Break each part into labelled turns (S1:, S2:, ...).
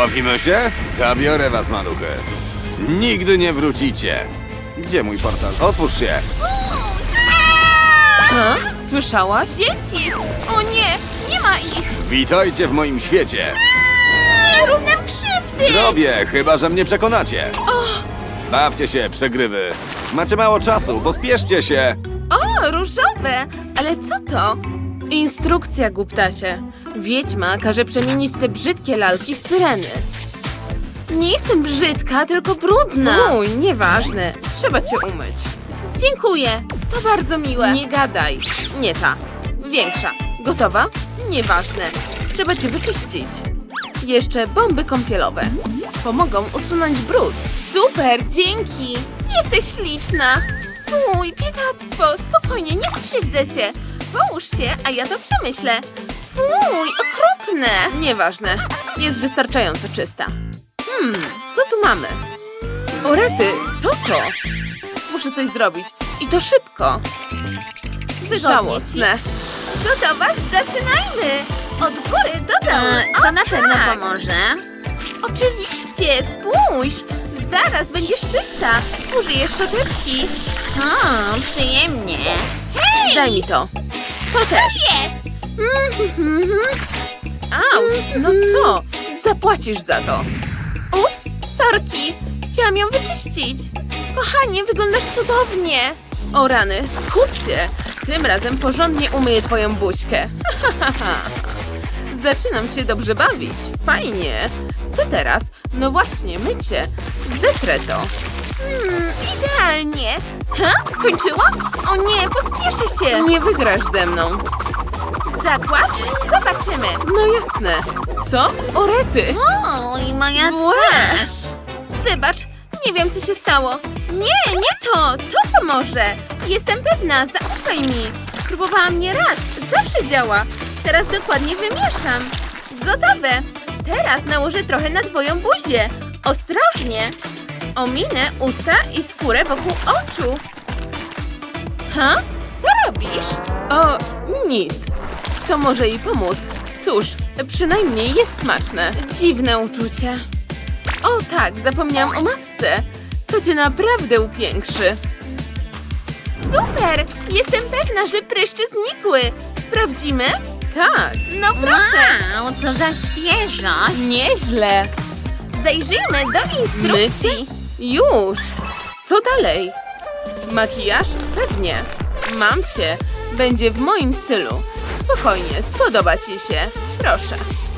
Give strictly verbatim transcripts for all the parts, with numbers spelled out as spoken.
S1: Pobawimy się? Zabiorę was, maluchy. Nigdy nie wrócicie. Gdzie mój portal? Otwórz się.
S2: Ha? Słyszałaś? Dzieci! O nie! Nie ma ich!
S1: Witajcie w moim świecie.
S2: Nie rób nam krzywdy!
S1: Zrobię, chyba że mnie przekonacie. Bawcie się, przegrywy. Macie mało czasu, pospieszcie się.
S2: O, różowe! Ale co to? Instrukcja, głuptasie. Wiedźma każe przemienić te brzydkie lalki w syreny. Nie jestem brzydka, tylko brudna. Uj, nieważne. Trzeba cię umyć. Dziękuję. To bardzo miłe. Nie gadaj. Nie ta. Większa. Gotowa? Nieważne. Trzeba cię wyczyścić. Jeszcze bomby kąpielowe. Pomogą usunąć brud. Super, dzięki. Jesteś śliczna. Fuj, biedactwo. Spokojnie, nie skrzywdzę cię. Połóż się, a ja to przemyślę. Fuj, okropne. Nieważne. Jest wystarczająco czysta. Hmm, co tu mamy? O rety, co to? Muszę coś zrobić. I to szybko. Żałosne.
S3: Gotowa? Zaczynajmy! Od góry do dołu.
S2: E,
S3: O,
S2: to na pewno
S3: tak.
S2: pomoże.
S3: Oczywiście, spójrz! Zaraz będziesz czysta. Użyję szczoteczki.
S2: O, przyjemnie.
S3: Hej!
S2: Daj mi to. To też.
S3: Jest!
S2: Auć, no co? Zapłacisz za to.
S3: Ups, sorki. Chciałam ją wyczyścić. Kochanie, wyglądasz cudownie.
S2: O rany, skup się. Tym razem porządnie umyję twoją buźkę. Zaczynam się dobrze bawić. Fajnie. Co teraz? No właśnie, mycie. Zetrę to.
S3: Hmm, idealnie. Ha? Skończyłam? O nie, pospieszę się.
S2: Nie wygrasz ze mną.
S3: Zakład? Zobaczymy.
S2: No jasne. Co? O rety.
S3: Oj, moja
S2: twarz.
S3: Wybacz, nie wiem co się stało. Nie, nie to, to pomoże. Jestem pewna, zaufaj mi. Próbowałam nie raz, zawsze działa. Teraz dokładnie wymieszam. Gotowe. Teraz nałożę trochę na twoją buzię. Ostrożnie. Ominę usta i skórę wokół oczu. Ha? Co robisz?
S2: O, nic. To może jej pomóc. Cóż, przynajmniej jest smaczne. Dziwne uczucie. O tak, zapomniałam o masce. To cię naprawdę upiększy.
S3: Super! Jestem pewna, że pryszcze znikły. Sprawdzimy?
S2: Tak.
S3: No proszę.
S2: Wow, co za świeżość. Nieźle.
S3: Zajrzyjmy do instrukcji.
S2: Mycie? Już. Co dalej? Makijaż? Pewnie. Mam cię. Będzie w moim stylu. Spokojnie, spodoba ci się. Proszę.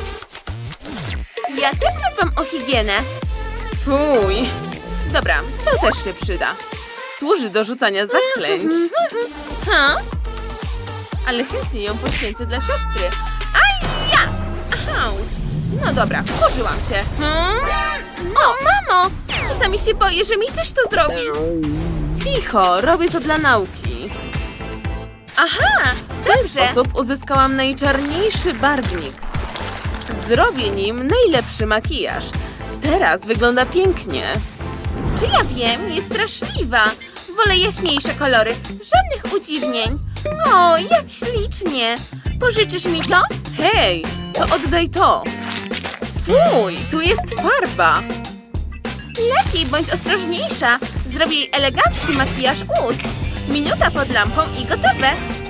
S3: Ja też zadbam o higienę.
S2: Fuj. Dobra, to też się przyda. Służy do rzucania zaklęć.
S3: Ha?
S2: Ale chętnie ją poświęcę dla siostry. Aj, ja! Auć. No dobra, wkurzyłam się.
S3: Hmm? O, mamo! Czasami się boję, że mi też to zrobi.
S2: Cicho, robię to dla nauki.
S3: Aha,
S2: W ten
S3: dobrze.
S2: sposób uzyskałam najczarniejszy barwnik. Zrobię nim najlepszy makijaż. Teraz wygląda pięknie.
S3: Czy ja wiem, jest straszliwa. Wolę jaśniejsze kolory, żadnych udziwnień. O, jak ślicznie. Pożyczysz mi to?
S2: Hej, to oddaj to. Fuj, tu jest farba.
S3: Lepiej bądź ostrożniejsza. Zrobię jej elegancki makijaż ust. Minuta pod lampą i gotowe.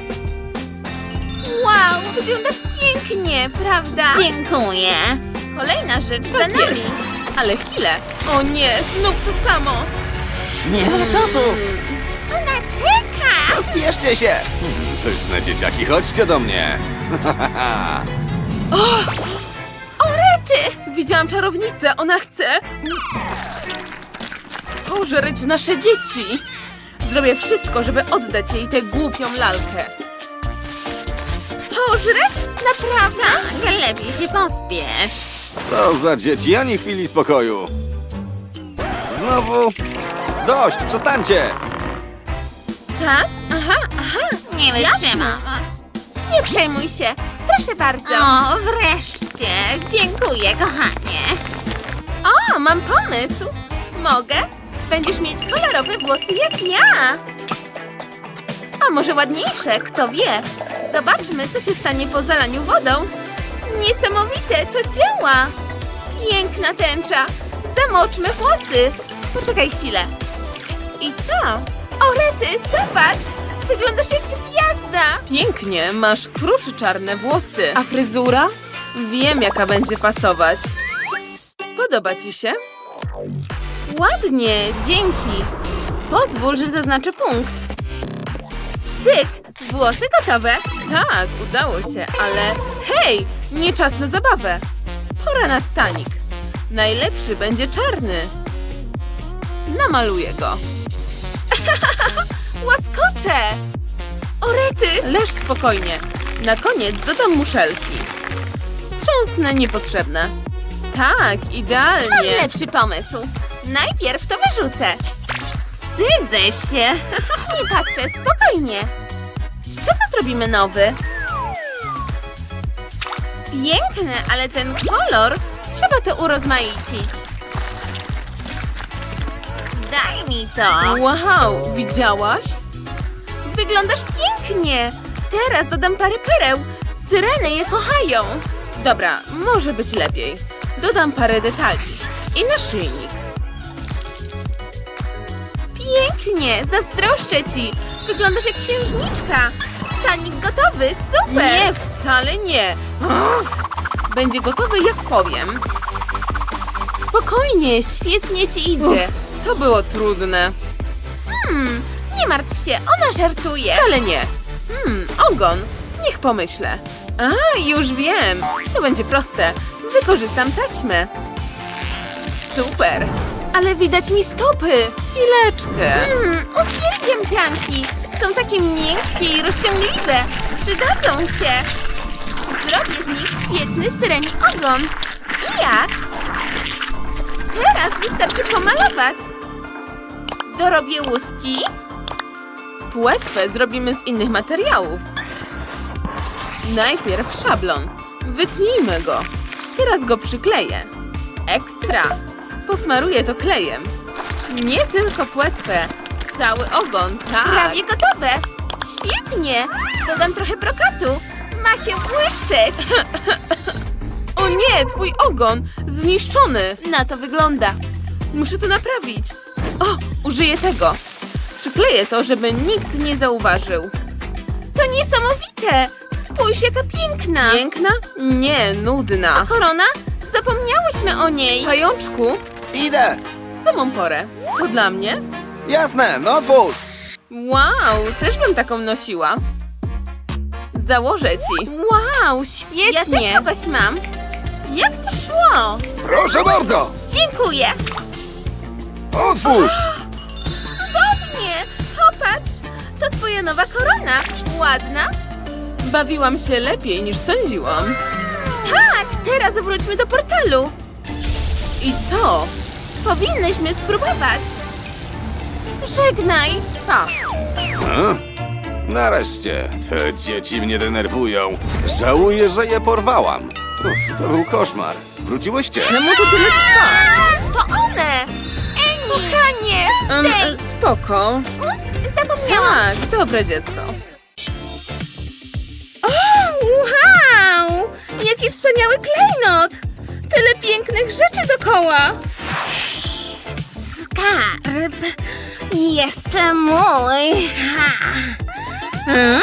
S3: Wow, wyglądasz pięknie, prawda?
S2: Dziękuję.
S3: Kolejna rzecz za
S2: Tak
S3: nami.
S2: jest. Ale chwilę. O nie, znów to samo.
S1: Nie ma czasu.
S3: Ona czeka.
S1: Pospieszcie się. Pyszne dzieciaki, chodźcie do mnie.
S3: O rety!
S2: Widziałam czarownicę, ona chce pożreć nasze dzieci. Zrobię wszystko, żeby oddać jej tę głupią lalkę.
S3: Pożreć? Naprawdę?
S2: Tak, lepiej się pospiesz.
S1: Co za dzieci, ani chwili spokoju. Znowu? Dość, przestańcie.
S3: Tak? Aha, aha.
S2: Nie
S3: wytrzymam. Nie przejmuj się. Proszę bardzo.
S2: O, wreszcie. Dziękuję, kochanie.
S3: O, mam pomysł. Mogę? Będziesz mieć kolorowe włosy jak ja. A może ładniejsze, kto wie. Zobaczmy, co się stanie po zalaniu wodą. Niesamowite, to działa. Piękna tęcza. Zamoczmy włosy. Poczekaj chwilę. I co? O, Rety, zobacz! Wyglądasz jak gwiazda!
S2: Pięknie, masz kruczy czarne włosy. A fryzura? Wiem, jaka będzie pasować. Podoba ci się?
S3: Ładnie, dzięki. Pozwól, że zaznaczę punkt. Cyk, włosy gotowe.
S2: Tak, udało się, ale hej, nie czas na zabawę. Pora na stanik. Najlepszy będzie czarny. Namaluję go.
S3: Łaskocze! O, Rety!
S2: Leż spokojnie. Na koniec dodam muszelki. Strząsnę niepotrzebne. Tak,
S3: Mam
S2: idealnie.
S3: lepszy pomysł. Najpierw to wyrzucę. Wstydzę się. Nie patrzę, spokojnie. Z czego zrobimy nowy? Piękny, ale ten kolor trzeba to urozmaicić. Daj mi to.
S2: Wow, widziałaś?
S3: Wyglądasz pięknie. Teraz dodam parę pereł. Syreny je kochają.
S2: Dobra, może być lepiej. Dodam parę detali. I naszyjnik.
S3: Pięknie, zazdroszczę ci. Wyglądasz jak księżniczka. Stanik gotowy, super.
S2: Nie, wcale nie. Ach, będzie gotowy, jak powiem.
S3: Spokojnie, świetnie ci idzie.
S2: Uff, to było trudne.
S3: Hmm, nie martw się, ona żartuje.
S2: Ale nie. Hmm, ogon. Niech pomyślę. A, już wiem. To będzie proste. Wykorzystam taśmę. Super. Ale widać mi stopy. Chwileczkę.
S3: Hmm, uwielbiam pianki. Są takie miękkie i rozciągliwe. Przydadzą się. Zrobię z nich świetny syreni ogon. I jak? Teraz wystarczy pomalować. Dorobię łuski.
S2: Płetwę zrobimy z innych materiałów. Najpierw szablon. Wytnijmy go. Teraz go przykleję. Ekstra. Posmaruję to klejem. Nie tylko płetwę. Cały ogon, tak.
S3: Prawie gotowe. Świetnie. Dodam trochę brokatu. Ma się błyszczeć.
S2: O nie, twój ogon! Zniszczony!
S3: Na to wygląda.
S2: Muszę to naprawić. O, użyję tego. Przykleję to, żeby nikt nie zauważył.
S3: To niesamowite. Spójrz, jaka piękna.
S2: Piękna? Nie, nudna.
S3: Korona? Zapomniałyśmy o niej.
S2: Pajączku,
S1: Idę!
S2: w samą porę. To dla mnie?
S1: Jasne, no otwórz!
S2: Wow, też bym taką nosiła. Założę ci.
S3: Wow, świetnie. Ja też kogoś mam. Jak to szło?
S1: Proszę bardzo!
S3: Dziękuję.
S1: Otwórz!
S3: Cudownie. Popatrz. To twoja nowa korona. Ładna?
S2: Bawiłam się lepiej niż sądziłam.
S3: Tak, teraz wróćmy do portalu.
S2: I co?
S3: Powinnyśmy spróbować. Żegnaj.
S2: Pa.
S1: A? Nareszcie, te dzieci mnie denerwują. Żałuję, że je porwałam. Uff, to był koszmar. Wróciłyście?
S2: Czemu to tyle trwa?
S3: To one. Eni. Kochanie.
S2: Um,
S3: Stay.
S2: spoko.
S3: Ups, zapomniałam.
S2: Tak, dobre dziecko.
S3: O, wow! Jaki wspaniały klejnot! Tyle pięknych rzeczy dookoła! Skarb jest mój! Hmm?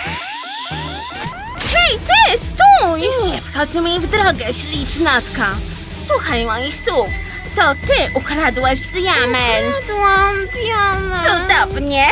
S3: Hej, ty, stój! Nie wchodź mi w drogę, ślicznatka! Słuchaj moich słów! To ty ukradłaś diament! Ukradłam diament! Cudownie!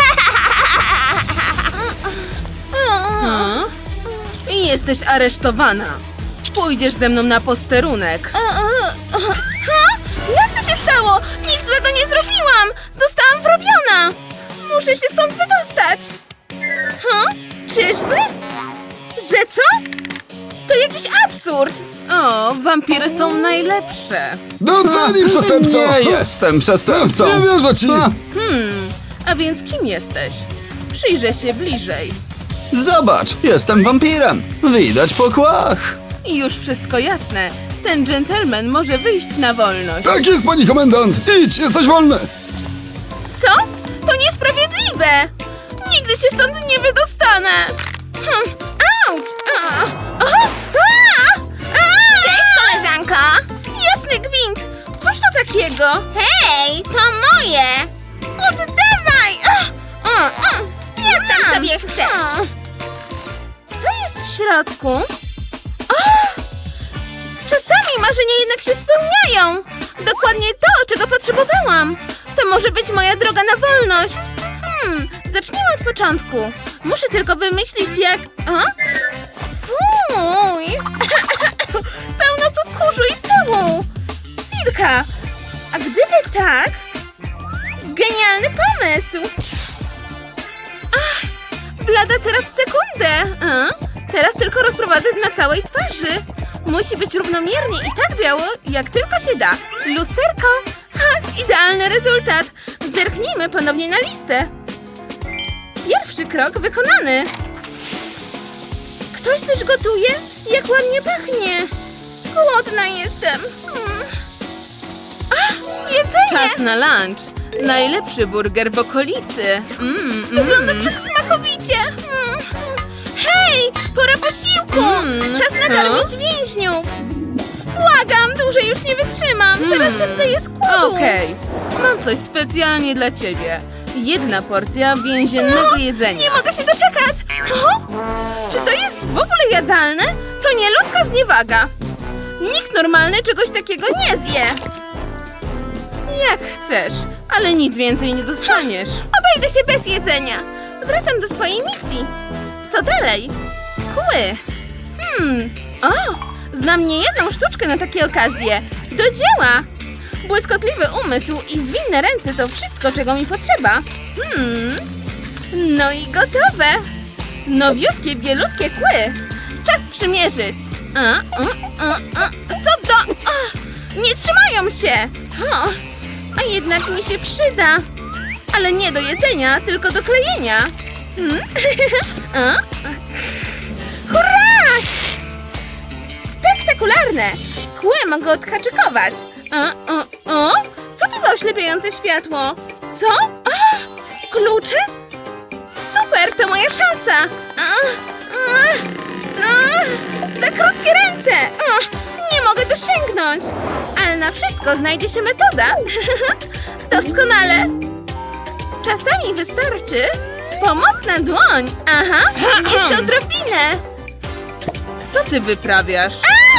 S2: Hmm? I jesteś aresztowana. Pójdziesz ze mną na posterunek.
S3: Ha? Jak to się stało? Nic złego nie zrobiłam! Zostałam wrobiona! Muszę się stąd wydostać! Ha? Czyżby? Że co? To jakiś absurd!
S2: O, wampiry są najlepsze.
S4: Doceni, przestępco!
S5: Nie jestem przestępcą!
S4: Nie wierzę ci!
S5: A,
S2: A więc kim jesteś? Przyjrzę się bliżej.
S5: Zobacz, jestem wampirem! Widać po kłach!
S2: I już wszystko jasne. Ten dżentelmen może wyjść na wolność.
S4: Tak jest, pani komendant! Idź, jesteś wolny!
S3: Co? To niesprawiedliwe! Nigdy się stąd nie wydostanę! Hm. Auć! A! A! A! A! Cześć, koleżanko! Jasny gwint! Cóż to takiego? Hej, to moje! Oddawaj! O, o, o. Jak tam sobie chcesz? Co jest w środku? O! Czasami marzenia jednak się spełniają! Dokładnie to, czego potrzebowałam! To może być moja droga na wolność! Hmm, zacznijmy od początku. Muszę tylko wymyślić jak... O? Fuj! Pełno tu kurzu i pyłu! Chwilka! A gdyby tak... Genialny pomysł! Ach, blada cera w sekundę! A? Teraz tylko rozprowadzę na całej twarzy. Musi być równomiernie i tak biało, jak tylko się da. Lusterko! Ach, idealny rezultat! Zerknijmy ponownie na listę. Pierwszy krok wykonany. Ktoś coś gotuje? Jak ładnie pachnie! Głodna jestem. Mm. Ach, jedzenie!
S2: Czas na lunch. Najlepszy burger w okolicy. Mm,
S3: Wygląda
S2: mm.
S3: tak smakowicie! Mm. Hej! Pora posiłku!
S2: Mm.
S3: Czas nakarmić więźniów! Błagam, dłużej już nie wytrzymam! Zaraz zemdleję z głodu!
S2: Okej, mam coś specjalnie dla ciebie. Jedna porcja więziennego jedzenia.
S3: Nie mogę się doczekać! O? Czy to jest w ogóle jadalne? To nieludzka zniewaga! Nikt normalny czegoś takiego nie zje!
S2: Jak chcesz, ale nic więcej nie dostaniesz.
S3: Obejdę się bez jedzenia! Wracam do swojej misji! Co dalej? Kły! Hmm, o! Znam niejedną sztuczkę na takie okazje! Do dzieła! Błyskotliwy umysł i zwinne ręce to wszystko, czego mi potrzeba. Hmm. No i gotowe! Nowiutkie, bielutkie kły! Czas przymierzyć! A, a, a, a. Co do... A, nie trzymają się! O, a jednak mi się przyda! Ale nie do jedzenia, tylko do klejenia! Hmm? A? Hurra! Spektakularne! Kły mogę odhaczykować! A, o, o? Co to za oślepiające światło? Co? A, klucze? Super, to moja szansa! A, a, a, za krótkie ręce! A, nie mogę dosięgnąć! Ale na wszystko znajdzie się metoda! Doskonale! Czasami wystarczy pomocna dłoń! Aha, jeszcze odrobinę!
S2: Co ty wyprawiasz?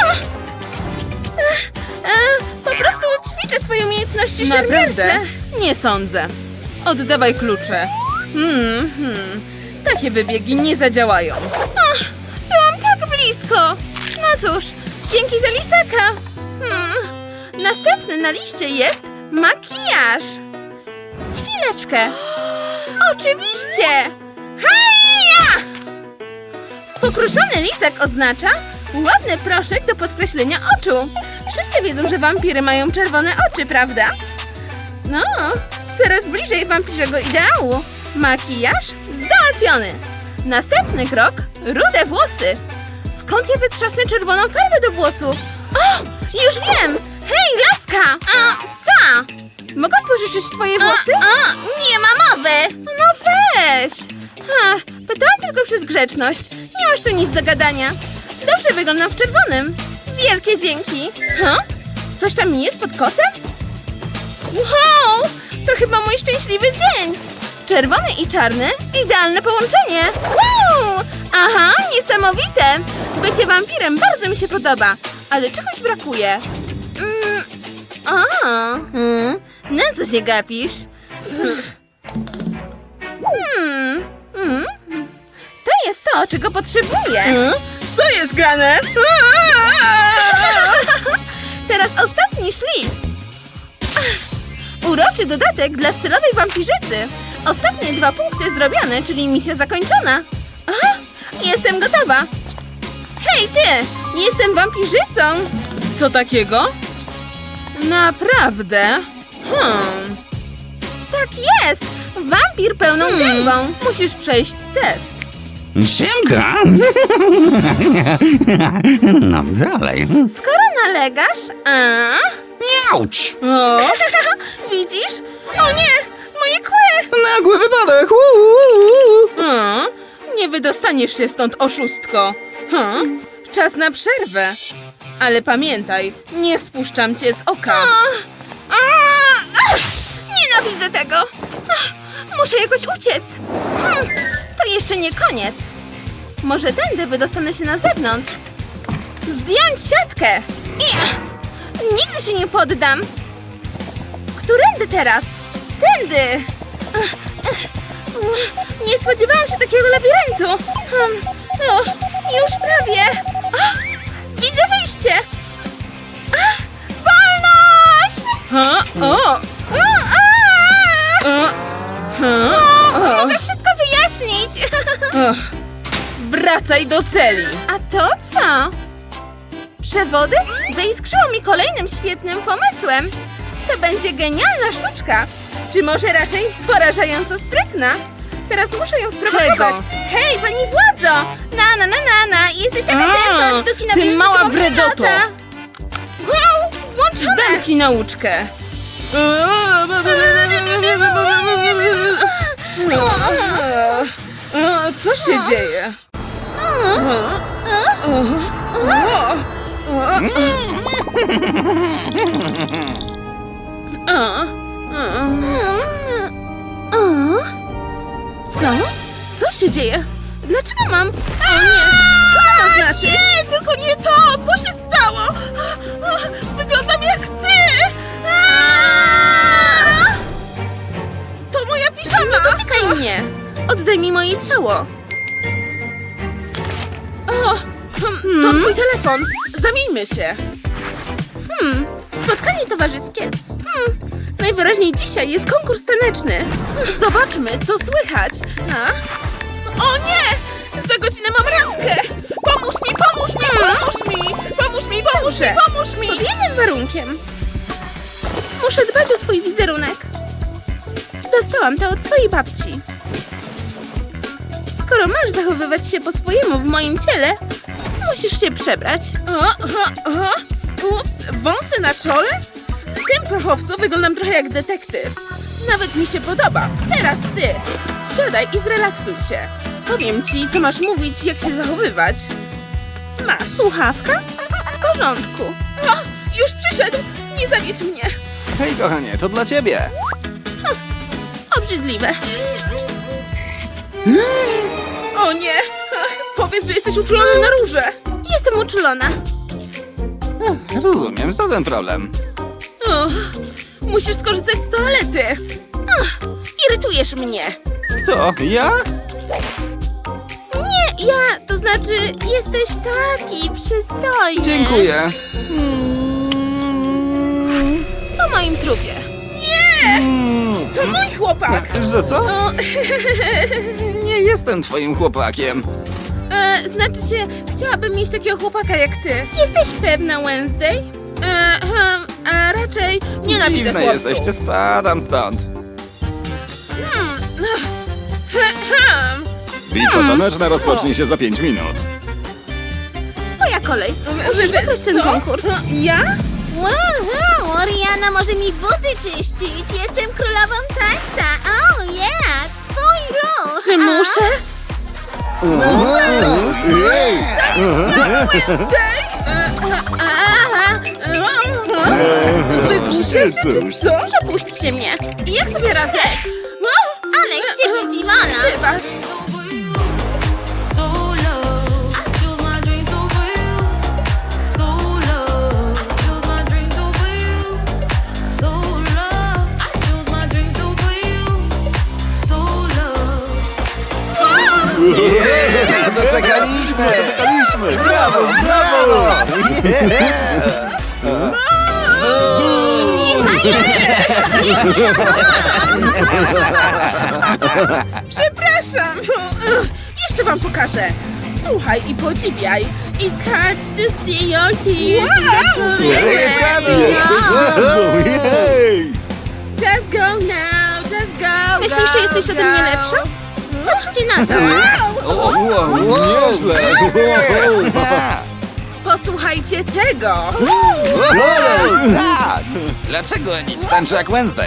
S3: E, po prostu ćwiczę swoje umiejętności szermiercze.
S2: Naprawdę? Nie sądzę. Oddawaj klucze. Hmm, hmm. Takie wybiegi nie zadziałają.
S3: Ach, byłam tak blisko. No cóż, dzięki za lisaka. Hmm. Następny na liście jest makijaż. Chwileczkę. Oczywiście. Hajja! Pokruszony lisak oznacza ładny proszek do podkreślenia oczu. Wszyscy wiedzą, że wampiry mają czerwone oczy, prawda? No, coraz bliżej wampirzego ideału. Makijaż załatwiony. Następny krok – rude włosy. Skąd ja wytrzasnę czerwoną farbę do włosów? O, już wiem! Hej, laska! A, co? Mogę pożyczyć twoje włosy? A, a, nie ma mowy! No weź! Ha, pytałam tylko przez grzeczność. Nie masz tu nic do gadania. Dobrze wyglądam w czerwonym. Wielkie dzięki. Ha? Coś tam nie jest pod kocem? Wow! To chyba mój szczęśliwy dzień. Czerwony i czarny? Idealne połączenie. Wow! Aha, niesamowite. Bycie wampirem bardzo mi się podoba. Ale czegoś brakuje. Mm. A, hmm. Na co się gapisz? Hmm. Hmm. To jest to, czego potrzebuję.
S2: Co jest grane?
S3: Teraz ostatni szlif. Uroczy dodatek dla stylowej wampirzycy. Ostatnie dwa punkty zrobione, czyli misja zakończona. Aha, jestem gotowa. Hej ty, jestem wampirzycą.
S2: Co takiego? Naprawdę? Hmm.
S3: Tak jest, wampir pełną gębą.
S2: Musisz przejść test.
S5: Siemka! No dalej.
S3: Skoro nalegasz, a...
S5: Auć!
S2: O,
S3: Widzisz? O nie, moje kły!
S5: Nagły wypadek! Uuu.
S2: o, nie wydostaniesz się stąd, oszustko. Hmm. Czas na przerwę. Ale pamiętaj, nie spuszczam cię z oka.
S3: A, ach, nienawidzę tego. Ach, muszę jakoś uciec. Hmm, to jeszcze nie koniec. Może tędy wydostanę się na zewnątrz. Zdjąć siatkę. I, nigdy się nie poddam. Którędy teraz? Tędy. Ach, ach, nie spodziewałam się takiego labiryntu. Hmm, o, już prawie. Ach, widzę wyjście. Ach, wolność!
S2: Ha? O!
S3: A, a!
S2: O! Ha?
S3: O, mogę wszystko wyjaśnić.
S2: Ach. Wracaj do celi.
S3: A to co? Przewody? Zaiskrzyło mi kolejnym świetnym pomysłem. To będzie genialna sztuczka. Czy może raczej porażająco sprytna? Teraz muszę ją sprowokować.
S2: Czego?
S3: Hej, pani władzo! Na, na, na, na, na. Jesteś taka
S2: A,
S3: tępa, że do kina
S2: ty
S3: bierzesz ze
S2: mała
S3: sobą
S2: wredoto.
S3: granata. Wow, włączone!
S2: Dam ci nauczkę. O, co się dzieje? Co? Co się dzieje? Dlaczego mam? O nie! Co to ma znaczyć?
S3: Nie, tylko nie to! Co się stało? Wyglądam jak ty!
S2: To moja piżama!
S3: Nie dotykaj mnie! Oddaj mi moje ciało!
S2: O, hmm, to twój telefon. Zamieńmy się.
S3: Hmm, spotkanie towarzyskie. Hmm, najwyraźniej dzisiaj jest konkurs taneczny.
S2: Zobaczmy, co słychać. A? O nie! Za godzinę mam randkę! Pomóż mi, pomóż mi, pomóż mi! Pomóż mi, pomóż mi, pomóż mi!
S3: Pod jednym warunkiem. Muszę dbać o swój wizerunek. Dostałam to od swojej babci. Skoro masz zachowywać się po swojemu w moim ciele, musisz się przebrać.
S2: O, o, o. Ups, wąsy na czole? W tym prochowcu wyglądam trochę jak detektyw. Nawet mi się podoba. Teraz ty. Siadaj i zrelaksuj się. Powiem ci, co masz mówić, jak się zachowywać. Masz.
S3: Słuchawka? W porządku.
S2: O, już przyszedł. Nie zawiedź mnie.
S1: Hej, kochanie, to dla ciebie.
S3: Obrzydliwe.
S2: O nie! Ach, powiedz, że jesteś uczulony na róże.
S3: Jestem uczulona.
S1: Rozumiem, co ten problem?
S2: O, musisz skorzystać z toalety.
S3: Ach, irytujesz mnie.
S1: Kto? Ja?
S3: Nie, ja, to znaczy, jesteś taki przystojny.
S1: Dziękuję.
S3: Po moim trupie.
S1: Mm,
S2: To mój chłopak.
S1: Że co?
S2: O,
S1: Nie jestem twoim chłopakiem.
S2: e, znaczy się, chciałabym mieć takiego chłopaka jak ty.
S3: Jesteś pewna, Wednesday?
S2: E, hmm, a raczej nienawidzę
S1: Dziwne
S2: chłopców.
S1: jesteście, spadam stąd.
S2: Hmm.
S4: Bitwa taneczna rozpocznie się za pięć minut.
S3: Twoja kolej. Musisz wygrać ten
S2: Co?
S3: konkurs.
S2: No, ja?
S3: Wow, Oriana może mi buty czyścić. Jestem królową tańca. Oh yeah, twój ruch.
S2: Czy muszę? Wygłupiasz się, czy co?
S3: Przepuśćcie mnie.
S2: Jak sobie radzę?
S3: Ale z ciebie dziwona.
S2: Wybacz.
S1: Yeah, doczekaliśmy! Doczekaliśmy! Brawo, brawo!
S2: Przepraszam! Jeszcze wam pokażę. Słuchaj i podziwiaj. It's hard to see your tears.
S3: Wow!
S1: Ryczadu!
S3: Jesteś
S4: gwiazdą, jej!
S2: Just go now, just go.
S3: Myślisz,
S2: go,
S3: że jesteś ode mnie
S2: go.
S3: lepsza? Patrzcie na to.
S1: O, wow, wow,
S4: Nieźle!
S2: Posłuchajcie tego.
S1: tak! Dlaczego nic tańczy jak Wednesday?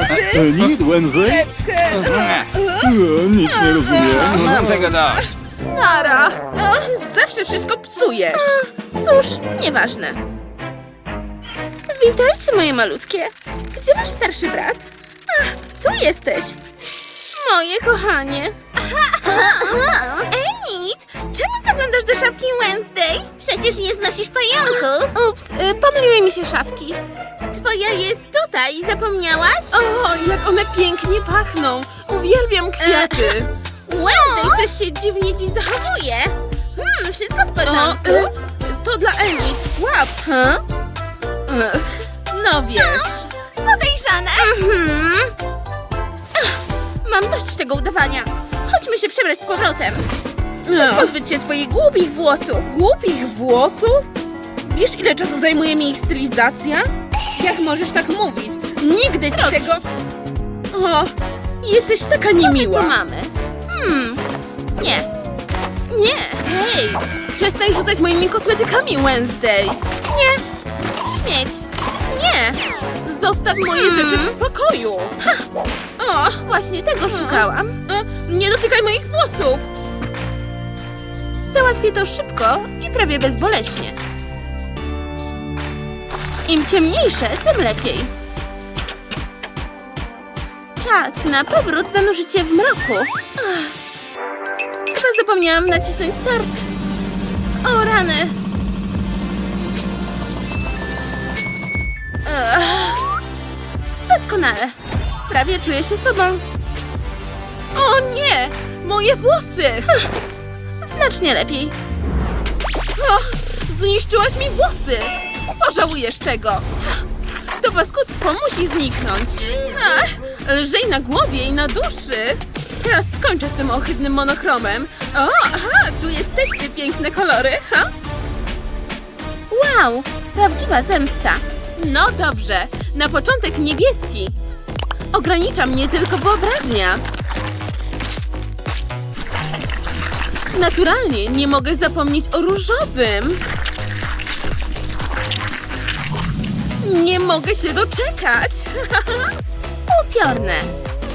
S4: Need Wednesday?
S2: Chwileczkę.
S4: O, nic nie rozumiem.
S1: Mam tego dość.
S2: Nara! O, zawsze wszystko psujesz.
S3: Cóż, nieważne. Witajcie, moje malutkie. Gdzie wasz starszy brat? Ach, tu jesteś. Moje kochanie. Enid, czemu zaglądasz do szafki Wednesday? Przecież nie znosisz pająków. Ups, y, pomyliły mi się szafki. Twoja jest tutaj, zapomniałaś?
S2: O, jak one pięknie pachną. Uwielbiam kwiaty.
S3: Wednesday, coś się dziwnie dziś zachowuje. Hmm, wszystko w porządku?
S2: O, y, to dla Emi. Łap.
S3: Huh?
S2: No wiesz.
S3: Podejrzane. Mhm. Ach, mam dość tego udawania. Chodźmy się przebrać z powrotem. Czas
S2: No.
S3: pozbyć się twoich głupich włosów.
S2: Głupich włosów? Wiesz, ile czasu zajmuje mi ich stylizacja? Jak możesz tak mówić? Nigdy ci tego... O, jesteś taka niemiła.
S3: Co mamy? Hmm, nie. Nie.
S2: Hej, przestań rzucać moimi kosmetykami, Wednesday.
S3: Nie. Śmieć.
S2: Nie, zostaw moje
S3: Hmm.
S2: rzeczy w spokoju.
S3: O, właśnie tego szukałam.
S2: E, Nie dotykaj moich włosów.
S3: Załatwię to szybko i prawie bezboleśnie. Im ciemniejsze, tym lepiej. Czas na powrót zanurzyć się w mroku. Ach. Chyba zapomniałam nacisnąć start. O rany. Ach. Doskonale. Prawie czuję się sobą.
S2: O nie, moje włosy.
S3: Znacznie lepiej.
S2: O, zniszczyłaś mi włosy. Pożałujesz tego. To paskudztwo musi zniknąć. Ach, lżej na głowie i na duszy. Teraz skończę z tym ohydnym monochromem. O, aha, tu jesteście, piękne kolory, ha?
S3: Wow, prawdziwa zemsta.
S2: No dobrze, na początek niebieski. Ogranicza mnie tylko wyobraźnia. Naturalnie nie mogę zapomnieć o różowym. Nie mogę się doczekać.
S3: Upiorne.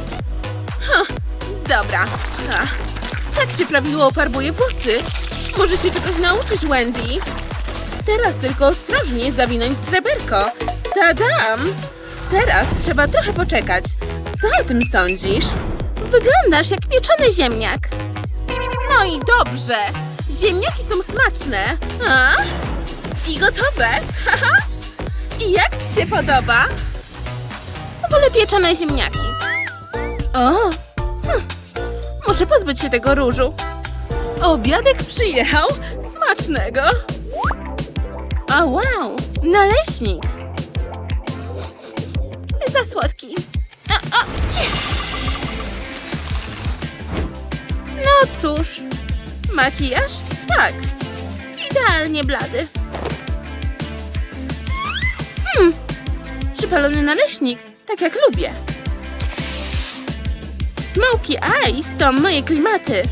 S2: Dobra. Ach, tak się prawidłowo farbuje włosy. Może się czegoś nauczysz, Wendy. Teraz tylko ostrożnie zawinąć sreberko. Tadam! Teraz trzeba trochę poczekać. Co o tym sądzisz?
S3: Wyglądasz jak pieczony ziemniak.
S2: No i dobrze. Ziemniaki są smaczne. A? I gotowe. Haha. I jak ci się podoba?
S3: Wolę pieczone ziemniaki.
S2: O! Hm. Muszę pozbyć się tego różu. Obiadek przyjechał. Smacznego.
S3: O wow, naleśnik. Za słodki. O, o, cie. No cóż,
S2: Makijaż? Tak.
S3: idealnie blady. Hmm,
S2: Przypalony naleśnik. Tak jak lubię.
S3: smoky eyes to moje klimaty.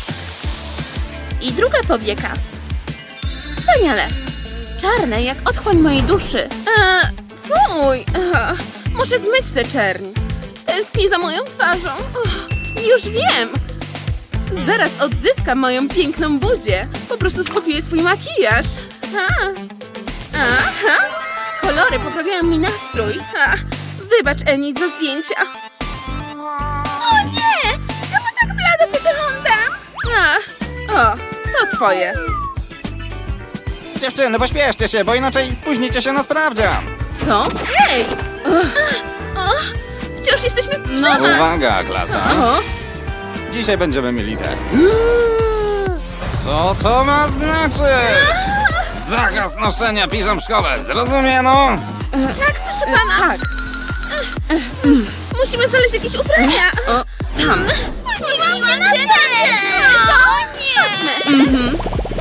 S3: I druga powieka. Wspaniale. Czarne jak otchłań mojej duszy.
S2: E, fuj. E, muszę zmyć tę czerń. Tęsknię za moją twarzą. Och, już wiem. Zaraz odzyskam moją piękną buzię. Po prostu skopiuję swój makijaż. Ha. Aha. Kolory poprawiają mi nastrój. Ha. Wybacz, Enid, za zdjęcia.
S3: O nie! Czemu tak blado wyglądam?
S2: A, o, to twoje.
S4: Dziewczyny, pośpieszcie się, bo inaczej spóźnicie się na sprawdzian.
S2: Co? Hej!
S3: Wciąż jesteśmy w
S2: No,
S3: piżamach.
S4: Uwaga, klasa.
S2: o,
S4: Dzisiaj będziemy mieli test. Co to ma znaczyć? Zakaz noszenia piżam w szkole, zrozumiano?
S3: Tak, proszę pana.
S2: tak.
S3: Musimy znaleźć jakieś ubrania.
S2: O, tam.
S3: Spóźniliśmy się na test. O nie! Chodźmy.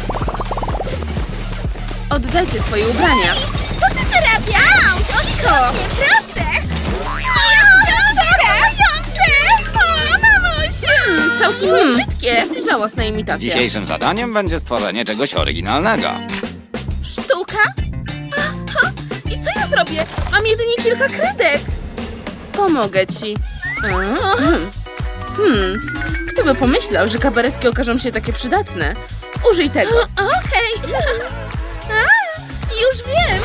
S2: Oddajcie swoje ubrania.
S3: Co ty wyrabiasz? Cicho! Proszę! Moja książka! O, mamusiu!
S2: Hmm, całkiem
S3: Hmm.
S2: brzydkie. Żałosna imitacja.
S4: Dzisiejszym zadaniem będzie stworzenie czegoś oryginalnego.
S2: Sztuka? Aha. I co ja zrobię? Mam jedynie kilka kredek. Pomogę ci. Ahem. Hmm, kto by pomyślał, że kabaretki okażą się takie przydatne? Użyj tego.
S3: Okej. A, już wiem.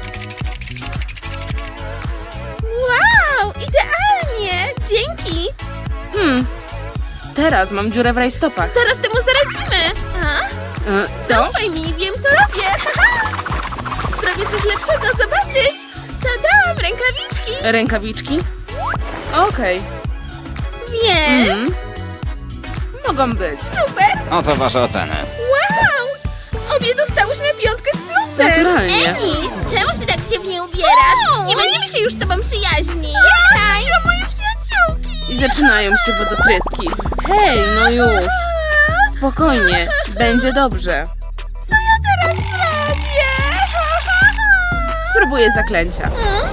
S3: Wow, idealnie. Dzięki.
S2: Hmm, teraz mam dziurę w rajstopach.
S3: Zaraz temu zaradzimy. A?
S2: E, co?
S3: Zaufaj mi, wiem co robię. Zrobię coś lepszego, zobaczysz. Tadam, rękawiczki.
S2: Rękawiczki? Okej,
S3: Więc...
S2: mm. mogą być.
S3: Super.
S4: Oto wasze oceny.
S3: Wow. Obie dostałyśmy piątkę z plusem.
S2: Naturalnie.
S3: Nic, czemu się tak dziwnie ubierasz? Nie będziemy się już z tobą przyjaźnić. Ja straciłam moje przyjaciółki.
S2: I zaczynają się wodotryski. Hej, no już. Spokojnie, będzie dobrze.
S3: Co ja teraz zrobię?
S2: Spróbuję zaklęcia.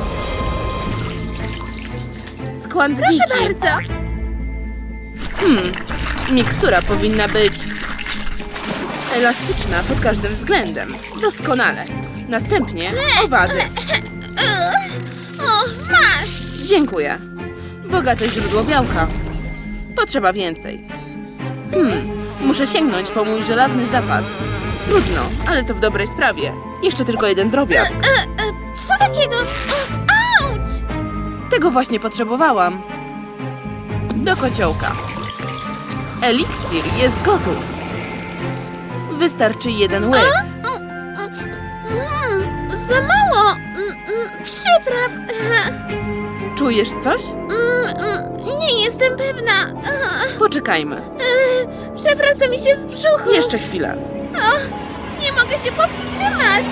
S2: Składniki.
S3: Proszę bardzo.
S2: Hmm, mikstura powinna być elastyczna pod każdym względem. Doskonale. Następnie owady.
S3: O, masz.
S2: Dziękuję. Bogate źródło białka. Potrzeba więcej. Hmm, muszę sięgnąć po mój żelazny zapas. Trudno, ale to w dobrej sprawie. Jeszcze tylko jeden drobiazg.
S3: E, e, co takiego? O, auć.
S2: Tego właśnie potrzebowałam. Do kociołka. Eliksir jest gotów. Wystarczy jeden łyk.
S3: Mm, za mało. Mm, mm, przypraw. E,
S2: Czujesz coś?
S3: mm, mm, nie jestem pewna. E,
S2: Poczekajmy.
S3: e, przewraca mi się w brzuchu.
S2: Jeszcze chwilę.
S3: O, nie mogę się powstrzymać.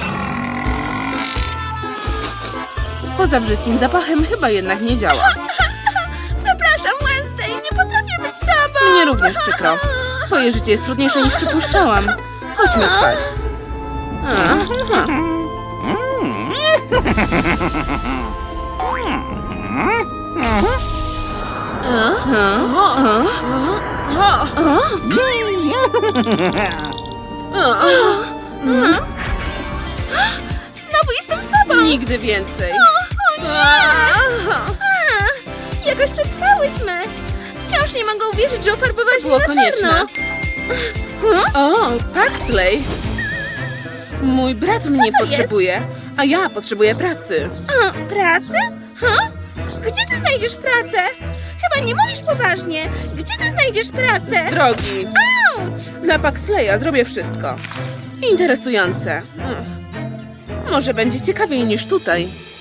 S2: Poza brzydkim zapachem chyba jednak nie działa.
S3: Przepraszam, Wednesday, nie potrafię być tobą.
S2: Mnie również przykro. Twoje życie jest trudniejsze niż przypuszczałam. Chodźmy spać. A, a.
S3: Znowu jestem sobą.
S2: Nigdy więcej.
S3: A, jakoś przetrwałyśmy. Wciąż nie mogę uwierzyć, że ofarbowałaś
S2: Było
S3: mnie na
S2: konieczne.
S3: czarno.
S2: O, Paxley. Mój brat mnie
S3: to
S2: potrzebuje, a ja potrzebuję pracy.
S3: O, pracę? Ha? Gdzie ty znajdziesz pracę? Chyba nie mówisz poważnie. Gdzie ty znajdziesz pracę?
S2: Drogi,
S3: Auć!
S2: dla Paxleya zrobię wszystko. Interesujące. Hm. Może będzie ciekawiej niż tutaj.